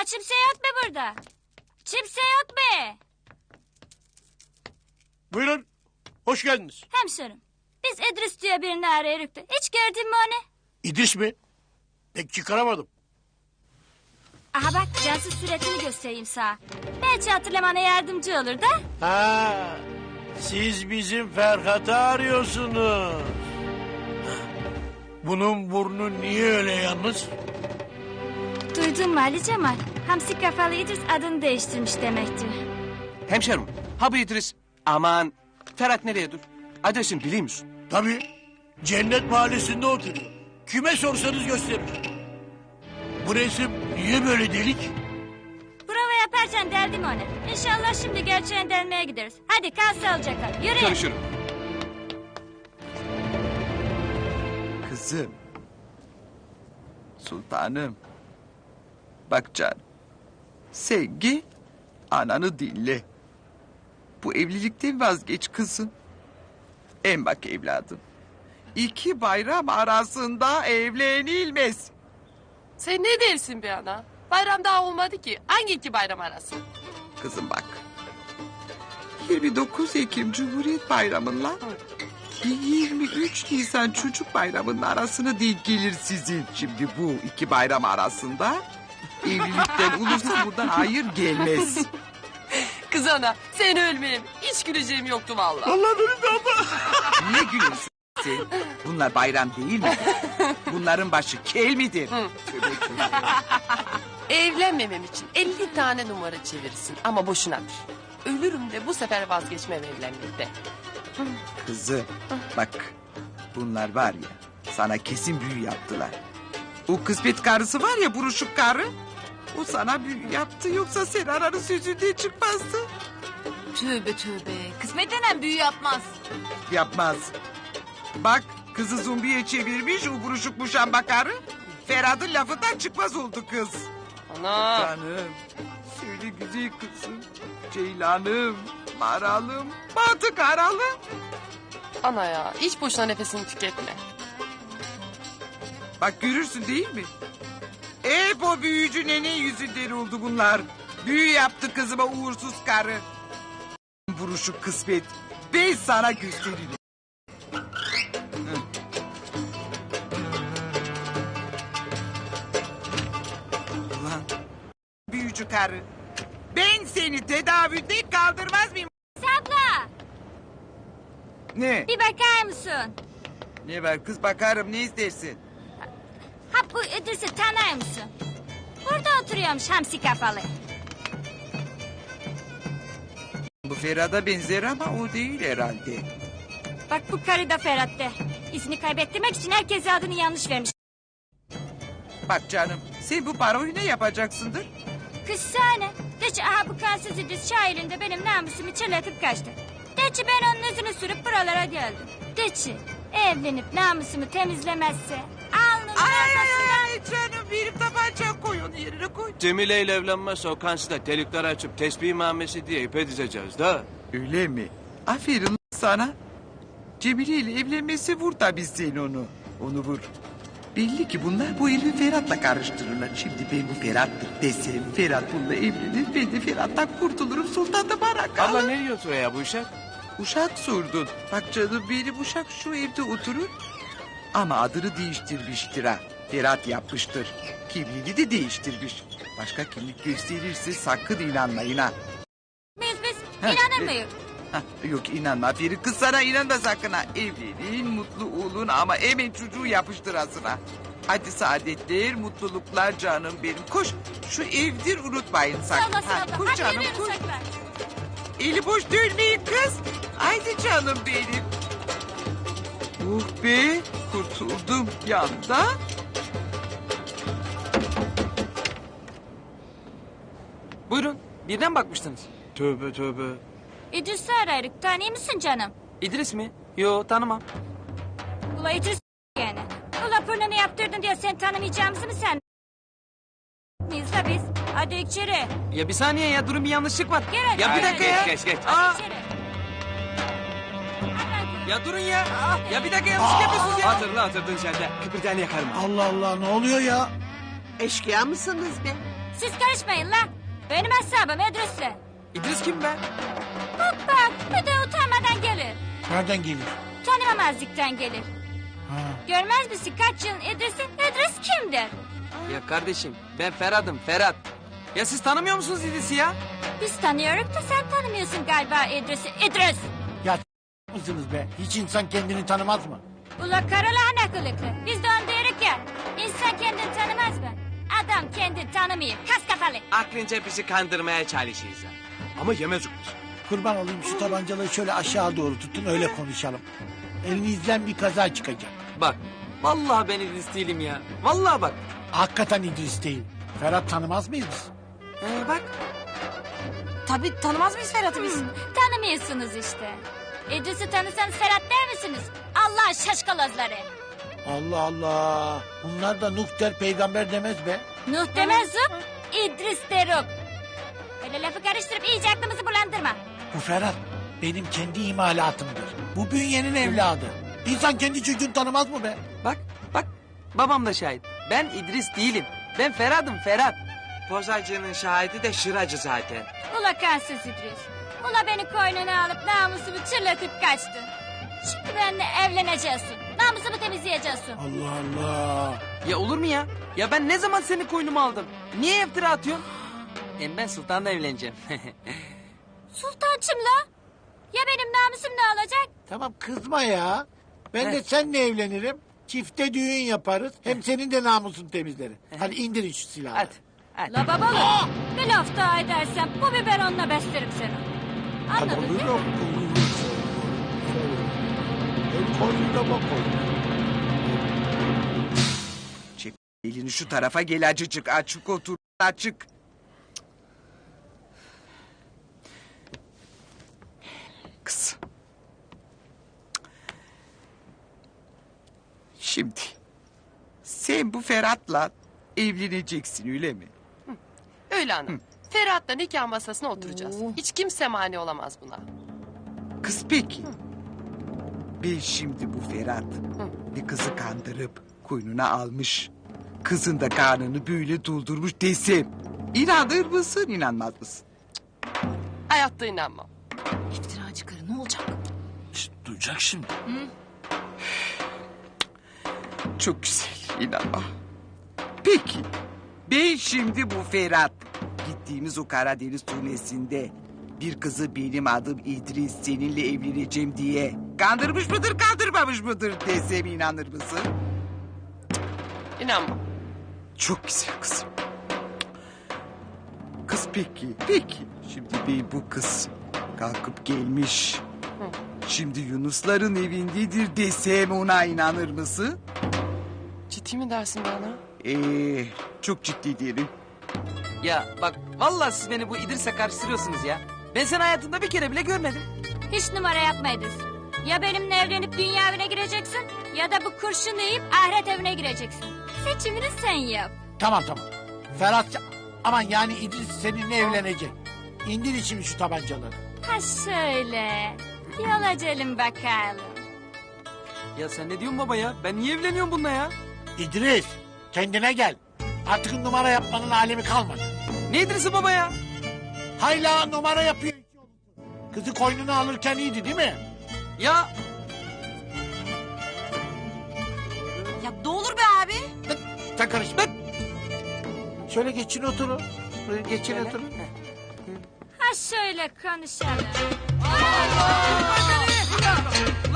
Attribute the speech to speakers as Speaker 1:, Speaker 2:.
Speaker 1: Kimse yok mu burada? Kimse yok mu?
Speaker 2: Buyurun. Hoş geldiniz.
Speaker 1: Hemşerim. Biz İdris diye birini arıyoruz da. Hiç gördün mü onu?
Speaker 2: İdris mi? Pek çıkaramadım.
Speaker 1: Aha bak cansız suretini göstereyim sana. Belki hatırlamana yardımcı olur da.
Speaker 2: Ha, siz bizim Ferhat'ı arıyorsunuz. Bunun burnu niye öyle yalnız?
Speaker 1: Duydun mu Ali Cemal? Hamsi kafalı İdris adını değiştirmiş demektir.
Speaker 3: Hemşerim, ha bu İdris. Aman, Ferhat nereye dur? Adresini biliyor musun?
Speaker 2: Tabii. Cennet Mahallesi'nde oturuyor. Kime sorsanız gösterir. Bu resim niye böyle delik?
Speaker 1: Prova yaparsan derdim onu. İnşallah şimdi gerçeğini delmeye gideriz. Hadi kal sağlıcakla. Yürü.
Speaker 3: Görüşürüm.
Speaker 4: Kızım. Sultanım. Bak canım. Sevgi ananı dinle. Bu evlilikten vazgeç kızım. En bak evladım. 2 bayram arasında evlenilmez.
Speaker 5: Sen ne dersin be ana? Bayram daha olmadı ki. Hangi 2 bayram arası?
Speaker 4: Kızım bak. 29 Ekim Cumhuriyet Bayramı'nla 23 Nisan Çocuk Bayramı'nın arasına denk gelir sizin. Şimdi bu 2 bayram arasında evlilikten olursa buradan hayır gelmez.
Speaker 5: Kız ana sen ölmeyeyim. Hiç güleceğim yoktu vallahi.
Speaker 2: Allah benim de abla.
Speaker 4: Niye gülüyorsun sen? Bunlar bayram değil mi? Bunların başı kel midir? Tövbe tövbe.
Speaker 5: Evlenmemem için 50 tane numara çevirsin ama boşunadır. Ölürüm de bu sefer vazgeçmem evlenmekte.
Speaker 4: Kızım bak bunlar var ya sana kesin büyü yaptılar. O kısmet karısı var ya buruşuk karı. O sana büyü yaptı yoksa sen aranın sözünden çıkmazdı.
Speaker 6: Tövbe tövbe. Kısmet denen büyü yapmaz.
Speaker 4: Yapmaz. Bak kızı zombiye çevirmiş o buruşuk muşamba karı. Ferhat'ın lafından çıkmaz oldu kız.
Speaker 5: Ana.
Speaker 4: Canım söyle güzel kızım. Ceylanım, maralım, batı karalım.
Speaker 5: Ana ya hiç boşuna nefesini tüketme.
Speaker 4: Bak görürsün değil mi? Hep o büyücü nene yüzünden oldu bunlar. Büyü yaptı kızıma uğursuz karı. Vuruşu kısmet. Ben sana gösteririm. Hı. Ulan büyücü karı. Ben seni tedavülden kaldırmaz mıyım?
Speaker 1: Abla
Speaker 4: Ne?
Speaker 1: bir bakar mısın?
Speaker 4: Ne var kız bakarım ne istersin?
Speaker 1: Ha bu İdris'i tanıyor musun? Burada oturuyormuş hamsi kafalı.
Speaker 4: Bu Ferhat'a benzer ama o değil herhalde.
Speaker 1: Bak bu karı da Ferhat'te. İzini kaybettirmek için herkese adını yanlış vermiş.
Speaker 4: Bak canım sen bu paroyu ne yapacaksındır?
Speaker 1: Kız sahne. De ki aha bu kansız İdris şairinde benim namusumu çırlatıp kaçtı. De ki ben onun yüzünü sürüp buralara geldim. De ki evlenip namusumu temizlemezse alnımın ortasına...
Speaker 4: canım benim tabanca koy onu yerine koy.
Speaker 3: Cemile ile evlenmezse o kansıda delikler açıp tesbih mamesi diye ipe dizeceğiz da.
Speaker 4: Öyle mi? Aferin sana. Cemile ile evlenmesi vur tabii sen onu. Onu vur. Belli ki bunlar bu herifi Ferhat'la karıştırırlar. Şimdi ben bu Ferhat'tır desem Ferhat bununla evlenir. Ben de Ferhat'tan kurtulurum Sultan da bana kalır.
Speaker 3: Abla ne diyorsun ya bu işe?
Speaker 4: Uşak sordun. Bak canım benim uşak şu evde oturur. Ama adını değiştirmiştir ha. Ferhat yapmıştır. Kimliğini de değiştirmiş. Başka kimlik gösterirse sakın inanmayın ha.
Speaker 1: Biz
Speaker 4: Heh,
Speaker 1: inanır mıyız?
Speaker 4: Hah, yok inanma Aferin kız sana inanma sakın ha. Evlenin mutlu olun ama hemen çocuğu yapıştır asına. Hadi saadetler mutluluklar canım benim. Koş şu evdir unutmayın sakın.
Speaker 1: Sağ olasın abla.
Speaker 4: Koş
Speaker 1: Hadi
Speaker 4: canım
Speaker 1: yürüyoruz
Speaker 4: koş.
Speaker 1: saklar.
Speaker 4: Eli boş dönmeyin kız. Haydi canım benim. Be kurtuldum yanda.
Speaker 7: Buyurun. Birden bakmıştınız.
Speaker 3: Tövbe tövbe.
Speaker 1: İdris'i ararız. Tanıyor musun canım?
Speaker 7: İdris mi? Yo tanımam.
Speaker 1: Ula İdris yani. Ula pırnını yaptırdın diye sen tanımayacağımızı mı sen? Biz de biz. Hadi içeri.
Speaker 7: Ya bir saniye ya durun bir yanlışlık var.
Speaker 1: Gel hadi,
Speaker 7: Ya bir
Speaker 1: gel
Speaker 7: dakika
Speaker 1: hadi.
Speaker 7: ya.
Speaker 3: Geç.
Speaker 7: Aa,
Speaker 1: İçeri.
Speaker 7: ya durun ya. Ya bir dakika yanlışlık yapıyorsunuz ya.
Speaker 3: Hatırla hatırladın sen de. Kıpırdayanı yakarım.
Speaker 2: Allah Allah ne oluyor ya?
Speaker 8: Eşkıya mısınız be?
Speaker 1: Siz karışmayın la. Benim hesabım İdris'le.
Speaker 7: İdris kim be?
Speaker 1: Bak bak bir de utanmadan gelir.
Speaker 2: Nereden gelir?
Speaker 1: Tanımamazlıktan gelir.
Speaker 2: Ha.
Speaker 1: Görmez misin kaç yılın İdris'i? İdris kimdir?
Speaker 7: Ya kardeşim ben Ferhat'ım Ferhat. Ya siz tanımıyor musunuz İdris'i ya?
Speaker 1: Biz tanıyoruz da sen tanımıyorsun galiba İdris'i. İdris!
Speaker 2: Ya mısınız be? Hiç insan kendini tanımaz mı?
Speaker 1: Ula karalahana kılıklı. Biz de onu diyoruz ya. İnsan kendini tanımaz mı? Adam kendini tanımıyor. Kas kafalı.
Speaker 3: Aklınca bizi kandırmaya çalışıyorsun. Ama yemez olur.
Speaker 2: Kurban olayım şu tabancaları şöyle aşağı doğru tutun öyle konuşalım. Elinizden bir kaza çıkacak.
Speaker 7: Bak vallahi ben İdris değilim ya. Vallahi bak.
Speaker 2: Hakikaten İdris değil. Ferhat tanımaz mıyız biz?
Speaker 7: Bak.
Speaker 6: Tabii tanımaz mıyız Ferhat'ı biz?
Speaker 1: Tanımıyorsunuz işte. İdris'i tanısanız Ferhat der misiniz? Allah şaşkalozları.
Speaker 2: Allah Allah. Bunlar da Nuh der peygamber demez be.
Speaker 1: Nuh demez zup, İdris derim. Öyle lafı karıştırıp iyice aklımızı bulandırma.
Speaker 2: Bu Ferhat benim kendi imalatımdır. Bu bünyenin evladı. İnsan kendi çocuğunu tanımaz mı be?
Speaker 7: Bak bak. Babam da şahit. Ben İdris değilim. Ben Ferhat'ım Ferhat.
Speaker 3: Pozacının şahidi de şıracı zaten.
Speaker 1: Ula kansız İdris. Ula beni koynuna alıp namusumu çırlatıp kaçtın. Şimdi benimle evleneceksin. Namusumu temizleyeceksin.
Speaker 2: Allah Allah.
Speaker 7: Ya olur mu ya? Ya ben ne zaman seni koynuma aldım? Niye iftira atıyorsun? Hem ben Sultan'la evleneceğim.
Speaker 1: Sultançım la. Ya benim namusum ne olacak?
Speaker 2: Tamam kızma ya. Ben de seninle evlenirim. Çifte düğün yaparız. Hem senin de namusun temizlerim. Hadi indirin şu silahı.
Speaker 7: Hadi. Hadi.
Speaker 1: La babalı. Bir laf daha edersen bu biberonla beslerim seni. Anladın değil mi?
Speaker 4: Çek elini şu tarafa gel acıcık. Açık otur açık. Kız. Şimdi sen bu Ferhat'la evleneceksin öyle mi?
Speaker 5: Öyle hanım. Ferhat'la nikah masasına oturacağız. Hiç kimse mani olamaz buna.
Speaker 4: Kız peki. Ben şimdi bu Ferhat bir kızı kandırıp koynuna almış. Kızın da karnını böyle doldurmuş desem. İnanır mısın inanmaz mısın?
Speaker 5: Hayatta inanmam.
Speaker 6: İftiracı karı ne olacak?
Speaker 2: Duyacak şimdi.
Speaker 4: Çok güzel inanma. Peki ben şimdi bu Ferhat gittiğimiz o Karadeniz turnesinde bir kızı benim adım İdris seninle evleneceğim diye kandırmış mıdır kandırmamış mıdır desem inanır mısın?
Speaker 5: İnanmam.
Speaker 4: Çok güzel kızım. Kız peki. Şimdi ben bu kız kalkıp gelmiş. Şimdi Yunusların evindedir desem ona inanır mısın?
Speaker 5: Ciddi mi dersin bana?
Speaker 4: Çok ciddi diyelim.
Speaker 7: Ya bak vallahi siz beni bu İdris'e karıştırıyorsunuz ya. Ben seni hayatımda bir kere bile görmedim.
Speaker 1: Hiç numara yapma İdris. Ya benimle evlenip dünya evine gireceksin ya da bu kurşunu yiyip ahiret evine gireceksin. Seçimini sen yap.
Speaker 2: Tamam. Ferhat aman yani İdris seninle evlenecek. İndir şimdi şu tabancaları.
Speaker 1: Ha şöyle. Yola gelin bakalım.
Speaker 7: Ya sen ne diyorsun baba ya? Ben niye evleniyorum bununla ya?
Speaker 2: İdris kendine gel. Artık numara yapmanın alemi kalmadı.
Speaker 7: Ne İdris'i baba ya?
Speaker 2: Hayla numara yapıyor. Kızı koynuna alırken iyiydi değil mi?
Speaker 7: Ya
Speaker 6: Ya ne olur be abi.
Speaker 2: Sen karışma. Şöyle geçin oturun. Böyle geçin
Speaker 7: Şöyle.
Speaker 2: oturun.
Speaker 1: Ha şöyle konuşalım.